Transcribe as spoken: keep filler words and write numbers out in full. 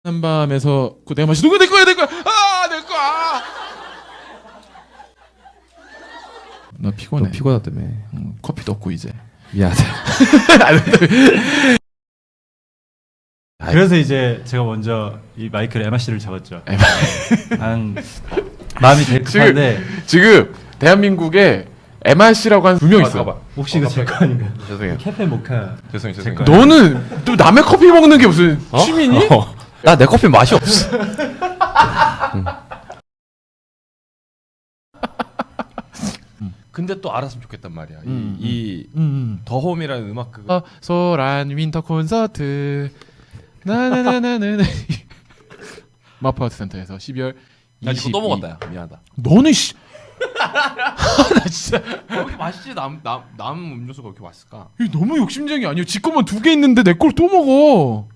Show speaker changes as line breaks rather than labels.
한밤에서 그 내가 마시 누구 내 거야 내 거야 아내 거야. 나 피곤해.
너 피곤하다며.
응, 커피도 없고 이제.
미안하다.
그래서 이제 제가 먼저 이 마이크를 에마 씨를 적었죠.
에마.
난 마음이 되게 급한데
지금 대한민국에 에마 씨라고 한 두 명 있어.
봐봐.
혹시 이거 제 거 아닌가?
죄송해요.
캐페 모카.
죄송해요.
제
죄송해요.
거예요.
너는 또 남의 커피 먹는 게 무슨 취미니?
어. 나 내 커피 맛이 없어. 근데 또 알았으면 좋겠단 말이야.
음,
이, 이
음.
더홈이라는 음악 그거.
어, 소란 윈터 콘서트 나나나나나 마포아트 센터에서 십이월
나 이거
이십이.
또 먹었다. 야. 미안하다.
너는 씨. 나 진짜
왜 이렇게 맛있지? 남, 남, 남 음료수가 왜 이렇게 맛있을까?
이거 너무 욕심쟁이 아니야? 지 것만 두 개 있는데 내 걸 또 먹어.